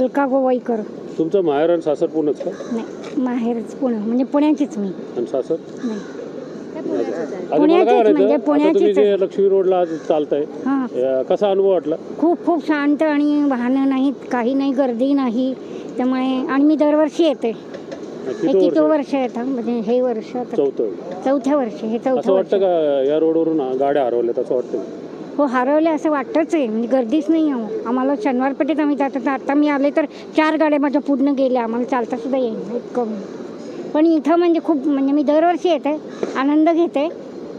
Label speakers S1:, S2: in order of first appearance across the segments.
S1: अलका गोवाईकर.
S2: तुमचं माहेर आणि सासर पुणेच का?
S1: नाही, माहेरच पुणे, म्हणजे पुण्याचीच मी.
S2: आणि सासर?
S1: नाही,
S2: आता मला काय
S1: म्हणजे
S2: आता तुम्ही जे लक्ष्मी रोडला आज चालताय, कसा अनुभव वाटला?
S1: खूप शांत आणि वाहनं नाहीत, काही नाही, गर्दी नाही. त्यामुळे आणि मी दरवर्षी येते. किती वर्ष येतं, म्हणजे हे वर्ष चौथ्या वर्ष. हे
S2: असं वाटतं का या रोडवरून गाड्या हरवल्यात असं वाटतं?
S1: हो, हरवल्या असं वाटतच आहे. म्हणजे गर्दीच नाही आहे. आम्हाला शनिवार पेठेत आम्ही जातो, तर आता मी आले तर 4 गाड्या माझ्या पूर्ण गेल्या. आम्हाला चालता सुद्धा येईल इतकं. पण इथं म्हणजे खूप, म्हणजे मी दरवर्षी येते, आनंद घेते.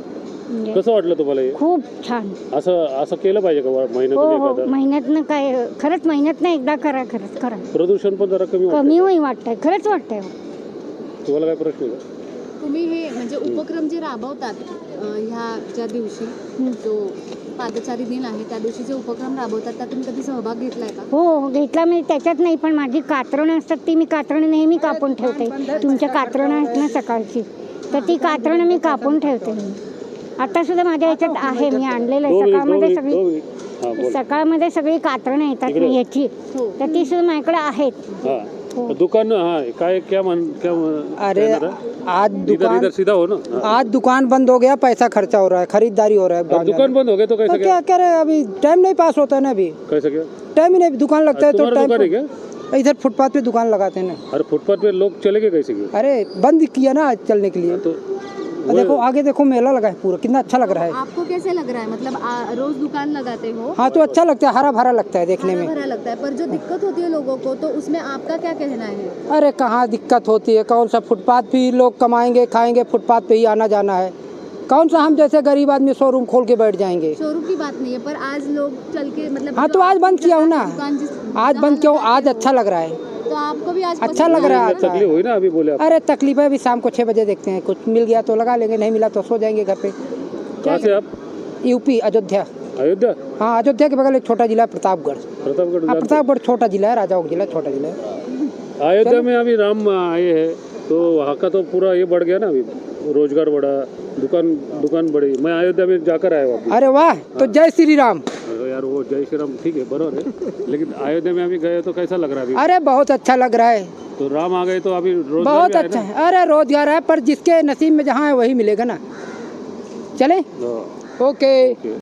S2: कसं वाटलं तुम्हाला?
S1: खूप छान.
S2: असं केलं पाहिजे का महिन्यातून एकदा?
S1: महिन्यातनं काय, खरंच महिन्यातनं एकदा करा. खरंच करा.
S2: प्रदूषण पण जरा
S1: कमी होईल वाटतंय. खरंच वाटतंय.
S2: तुम्हाला काय प्रश्न आहे?
S3: तुम्ही हे म्हणजे उपक्रम जे राबवतात ह्या ज्या दिवशी जो पादचारी दिन आहे त्या दिवशी जे उपक्रम राबवतात त्यात तुम्ही कधी सहभाग घेतलाय का?
S1: हो, घेतला. मी त्याच्यात नाही, पण माझी कातरणं असतात ती मी कातरणं नेहमी कापून ठेवते. तुमच्या कातरणं आहेत ना सकाळची, तर ती कातरणं मी कापून ठेवते. आता सुद्धा माझ्या ह्याच्यात आहे, मी आणलेलं आहे. सकाळमध्ये सगळी कातरणं येतात ना ह्याची, तर ती सुद्धा माझ्याकडे आहेत.
S2: दुकान काय क्या
S4: अरे आज
S2: इधर सीधा हो ना।
S4: आज दुकान बंद हो गया, पैसा खर्चा हो रहा है, खरीदारी हो रहा है।
S2: दुकान बंद हो गया तो कैसे
S4: क्या कह रहे हैं, अभी टाइम नहीं पास होता है ना। अभी
S2: कैसे क्या
S4: टाइम ही नहीं, दुकान लगता है तो
S2: टाइम।
S4: इधर फुटपाथ पे दुकान लगाते हैं ना।
S2: अरे फुटपाथ पे लोग चले गए कैसे?
S4: अरे बंद किया ना चलने के लिए।
S2: तो
S4: देखो आगे देखो मेला लगा है पूरा, कितना अच्छा लग रहा है।
S3: आपको कैसे लग रहा है, मतलब रोज दुकान लगाते हो?
S4: हाँ तो अच्छा लगता है, हरा भरा लगता है देखने में।
S3: हरा लगता है, पर जो दिक्कत होती है लोगों को तो उसमें आपका क्या कहना है?
S4: अरे कहाँ दिक्कत होती है, कौन सा फुटपाथ पे लोग कमाएंगे खाएंगे, फुटपाथ पे ही आना जाना है। कौन सा हम जैसे गरीब आदमी शोरूम खोल के बैठ जाएंगे?
S3: शोरूम की बात नहीं है, पर आज लोग चल के मतलब
S4: हाँ तो आज बंद किया हूँ ना, आज बंद किया हूँ, आज अच्छा लग रहा है।
S3: तो आपको भी आज
S4: अच्छा लग रहा है।
S2: तकलीफ हुई ना अभी बोले?
S4: अरे तकलीफ है, अभी शाम को 6 बजे देखते हैं, कुछ मिल गया तो लगा लेंगे, नहीं मिला तो सो जाएंगे घर पे।
S2: कहाँ से आप?
S4: यूपी, अयोध्या।
S2: अयोध्या?
S4: हाँ, अयोध्या के बगल एक छोटा जिला है प्रतापगढ़। प्रतापगढ़ छोटा जिला है, राजाओं का जिला छोटा जिला है।
S2: अयोध्या में अभी राम आए हैं तो वहाँ का तो पूरा ये बढ़ गया ना, अभी रोजगार बढ़ा, दुकान बढ़ी। मैं अयोध्या में जाकर आया हूँ।
S4: अरे वाह, तो जय श्री राम।
S2: यार वो जय श्री राम ठीक है, बराबर है, लेकिन अयोध्या में अभी गए तो कैसा लग रहा है अभी?
S4: अरे बहुत अच्छा लग रहा है।
S2: तो राम आ गए तो अभी रोजगार
S4: बहुत अच्छा है। अरे रोजगार है, पर जिसके नसीब में जहाँ है वही मिलेगा ना। चले, ओके।